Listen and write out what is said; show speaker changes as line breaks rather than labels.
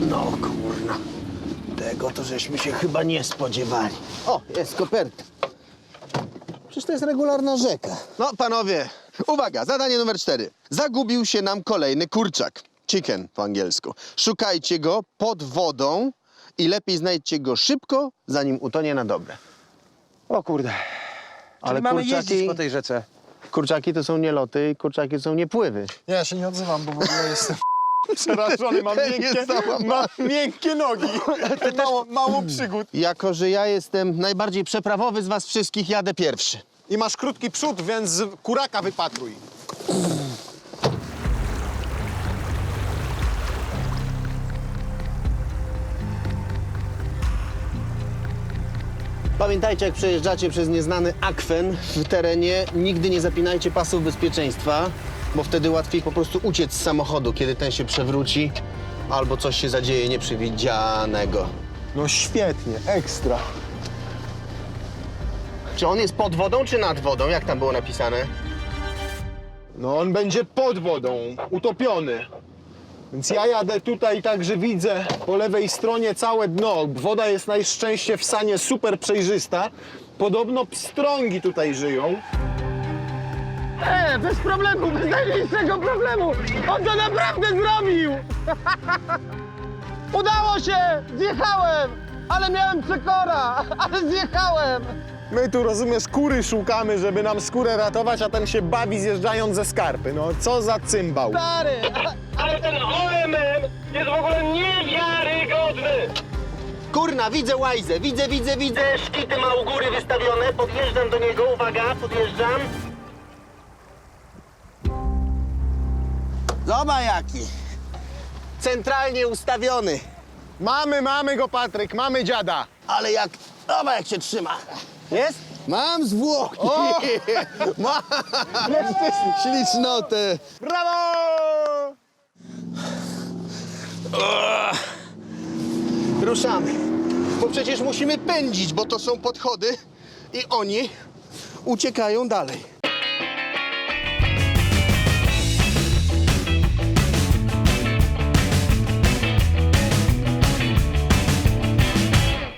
No kurna, tego to żeśmy się chyba nie spodziewali. O, jest koperta. Przecież to jest regularna rzeka.
No, panowie, uwaga, zadanie numer 4. Zagubił się nam kolejny kurczak. Chicken po angielsku. Szukajcie go pod wodą i lepiej znajdźcie go szybko, zanim utonie na dobre.
O kurde.
Ale
Czyli mamy
kurczaki-
jeździć po tej rzece.
Kurczaki to są nie loty i kurczaki to są nie pływy.
Nie, ja się nie odzywam, bo w ogóle jestem przerażony. Mam miękkie nogi. Mało przygód.
Jako że ja jestem najbardziej przeprawowy z was wszystkich, jadę pierwszy.
I masz krótki przód, więc kuraka wypatruj.
Pamiętajcie, jak przejeżdżacie przez nieznany akwen w terenie, nigdy nie zapinajcie pasów bezpieczeństwa, bo wtedy łatwiej po prostu uciec z samochodu, kiedy ten się przewróci albo coś się zadzieje nieprzewidzianego.
No świetnie, ekstra.
Czy on jest pod wodą, czy nad wodą? Jak tam było napisane?
No on będzie pod wodą, utopiony. Więc ja jadę tutaj tak, że widzę po lewej stronie całe dno. Woda jest na szczęście w Sanie super przejrzysta. Podobno pstrągi tutaj żyją.
Bez problemu, bez najmniejszego problemu! On to naprawdę zrobił! Udało się! Zjechałem! Ale miałem przekora! Ale zjechałem!
My tu, rozumiesz, kury szukamy, żeby nam skórę ratować, a ten się bawi zjeżdżając ze skarpy. No co za cymbał.
Stary!
Ale ten OMM jest w ogóle niewiarygodny!
Kurna, widzę łajzę, widzę. Szkity ma u góry wystawione, podjeżdżam do niego, uwaga, podjeżdżam. Zobacz jaki. Centralnie ustawiony.
Mamy go, Patryk, mamy dziada.
Ale jak, zobacz jak się trzyma. Jest? Mam zwłoki. Mam ślicznotę.
Brawo!
Ruszamy. Bo przecież musimy pędzić, bo to są podchody i oni uciekają dalej.